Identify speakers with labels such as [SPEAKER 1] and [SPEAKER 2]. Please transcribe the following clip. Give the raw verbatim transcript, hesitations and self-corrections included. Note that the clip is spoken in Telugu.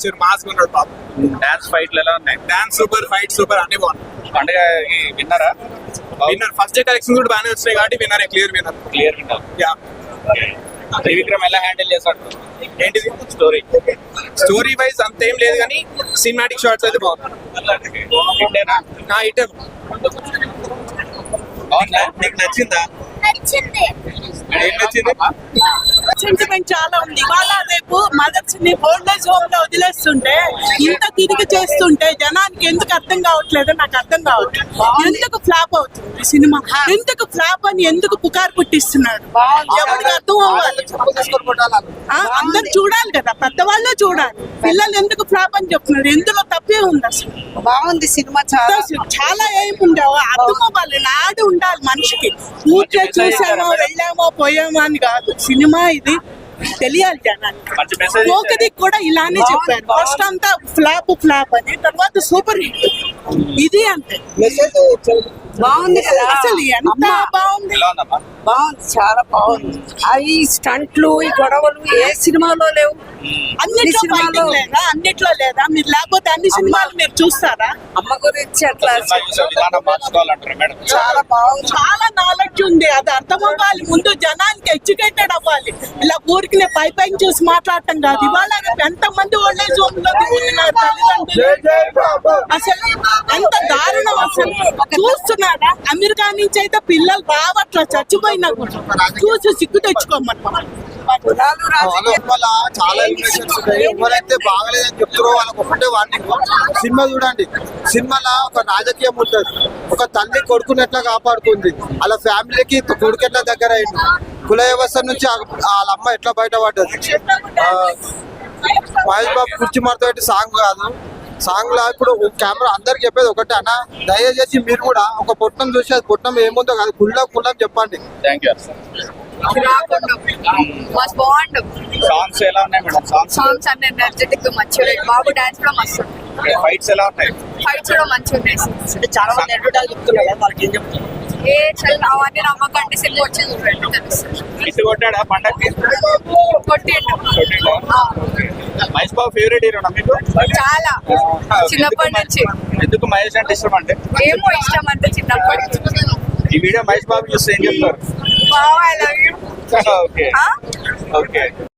[SPEAKER 1] ఇచ్చారు, మాస్ ఉన్నాడు పాప.
[SPEAKER 2] డాన్స్ ఫైట్లు ఎలా ఉన్నాయి?
[SPEAKER 1] డాన్స్ సూపర్, ఫైట్ సూపర్, అన్ని బాగున్నాయి.
[SPEAKER 2] పండుగ విన్నారా?
[SPEAKER 1] విన్నర్ ఫస్ట్ డే కలెక్షన్ కూడా బాగానే వచ్చినాయి కాబట్టి winner, clear winner.
[SPEAKER 2] Clear winner.
[SPEAKER 1] Yeah.
[SPEAKER 2] Trivikram ఎలా హ్యాండిల్ చేశాడు
[SPEAKER 1] ఏంటిది
[SPEAKER 2] స్టోరీ?
[SPEAKER 1] స్టోరీ వైజ్ అంతేం లేదు కానీ సినిమాటిక్ షార్ట్స్ అయితే బాగున్నాయి.
[SPEAKER 2] ఇంటేనా?
[SPEAKER 1] ఆ ఐటమ్
[SPEAKER 2] బాగుందా? నీకు నచ్చిందా?
[SPEAKER 3] నచ్చింది.
[SPEAKER 2] ఏం నచ్చింది?
[SPEAKER 4] సెంటిమెంట్ చాలా ఉంది. ఇవాళ రేపు మదర్స్ ని ఓల్డేజ్ హోమ్ లో వదిలేస్తుంటే ఇంత తిరిగి చేస్తుంటే జనానికి ఎందుకు అర్థం కావట్లేదు, నాకు అర్థం కావట్లేదు. ఎందుకు ఫ్లాప్ అవుతుంది సినిమా, ఎందుకు ఫ్లాప్ అని ఎందుకు పుకారు పుట్టిస్తున్నాడు, ఎవరికి అర్థం అవ్వాలి. ఆ, అందరు చూడాలి కదా, పెద్దవాళ్ళే చూడాలి. పిల్లలు ఎందుకు ఫ్లాప్ అని చెప్తున్నారు, ఎందులో తప్పే ఉంది అసలు.
[SPEAKER 5] బాగుంది సినిమా చాలా
[SPEAKER 4] చాలా ఏముండే అర్థం అవ్వాలి, నాడు ఉండాలి మనిషికి. ఊరికే చూసామో వెళ్ళామో పోయామో అని కాదు, సినిమా ఇది తెలియాలి జనానికి.
[SPEAKER 2] మంచి మెసేజ్
[SPEAKER 4] ఒకటి కూడా ఇలానే చెప్పారు, ఫస్ట్ అంతా ఫ్లాప్ ఫ్లాప్ అని, తర్వాత సూపర్ హిట్. ఇది అంతే
[SPEAKER 5] బాగుంది కదా
[SPEAKER 4] అసలు ఎంత
[SPEAKER 5] అమ్మా,
[SPEAKER 4] బాగుంది.
[SPEAKER 2] ఎలా ఉందమ్మా?
[SPEAKER 5] బాగుంది చాలా బాగుంది. అవి స్టంట్లు ఈ గొడవలు ఏ సినిమాలో లేవు.
[SPEAKER 4] అన్నిట్లో
[SPEAKER 5] సినిమాలో-
[SPEAKER 4] ఫైటింగ్ లేదా, అన్నిట్లో లేదా మీరు, లేకపోతే అన్ని సినిమాలు మీరు చూస్తారా?
[SPEAKER 5] అమ్మ గురించి అట్లా
[SPEAKER 2] సినిమా చూసే విధానం మార్చుకోవాలంటారు మేడం.
[SPEAKER 5] చాలా బాగుంది.
[SPEAKER 4] చాలా నాలెడ్జ్ ఉంది, అది అర్థం అవ్వాలి. ముందు జనానికి ఎడ్యుకేటెడ్ అవ్వాలి. ఇలా ఊరికి పై పైన చూసి మాట్లాడటం కాదు. ఇవాళ ఎంత మంది ఓల్డేజ్ హోమ్ లో ఉంటున్నారు తల్లిదండ్రులు, అసలు ఎంత దారుణం అసలు. చూస్తున్నారా, అమెరికా నుంచి అయితే పిల్లలు రావట్లా, చచ్చిపోయినా కూడా చూసి సిగ్గు తెచ్చుకోమని.
[SPEAKER 5] కులాలు రాజకీయ
[SPEAKER 6] వల్ల చాలా ఎలిమినేషన్స్ ఉన్నాయి. ఎవరైతే బాగలేదని చెప్తారో వాళ్ళకి ఒకటే వార్నింగ్, సినిమా చూడండి. సినిమాలో ఒక రాజకీయం ఉంటుంది, ఒక తల్లి కొడుకుని ఎట్లా కాపాడుతుంది, వాళ్ళ ఫ్యామిలీకి కొడుకు ఎట్లా దగ్గర అయింది, కుల వ్యవస్థ నుంచి ఆ- వాళ్ళ అమ్మ ఎట్లా బయటపడ్డది. ఆ, మహేష్ బాబు కుర్చీ మార్తో సాంగ్ కాదు, సాంగ్ లా ఇప్పుడు కెమెరా అందరికి చెప్పేది ఒకటే అన్న, దయచేసి మీరు కూడా ఒక పొట్టం చూసి అది పొట్టం ఏముందో కాదు, కుళ్ళ కుళ్ళం చెప్పండి.
[SPEAKER 2] Thank you.
[SPEAKER 7] మస్తు బాగుండు.
[SPEAKER 2] సాంగ్స్ ఎలా ఉన్నాయి మేడం? సాంగ్స్
[SPEAKER 7] సాంగ్స్ అన్ని ఎనర్జెటిక్ మంచిగా, బాబు డాన్స్ కూడా మస్తు ఉంది.
[SPEAKER 2] ఫైట్స్ ఎలా ఉన్నాయి?
[SPEAKER 7] ఫైట్స్ కూడా మంచిగా ఉన్నాయి.
[SPEAKER 5] చాలా మంది అడ్వర్టైజ్ చెప్తున్నారు, వాళ్ళకి ఏం చెప్తున్నారు?
[SPEAKER 7] ఏ చల్ అవన్నీ నమ్మకండి, సినిమా వచ్చి చూడండి తెలుస్తుంది.
[SPEAKER 2] ఇటు కొట్టాడా పండగకి?
[SPEAKER 7] కొట్టిండు.
[SPEAKER 2] కొట్టిండా? మహేష్ బాబు ఫేవరెట్ హీరోనా మీకు?
[SPEAKER 7] చాలా చిన్నప్పటి నుంచి.
[SPEAKER 2] ఎందుకు మహేష్ అంటే ఇష్టం అంటే?
[SPEAKER 7] ఏమో ఇష్టం అంటే చిన్నప్పటి నుంచి.
[SPEAKER 2] ఈ వీడియో మహేష్ బాబు చూస్తే ఏం చెప్తారు?
[SPEAKER 7] బావ I love you.
[SPEAKER 2] Okay okay.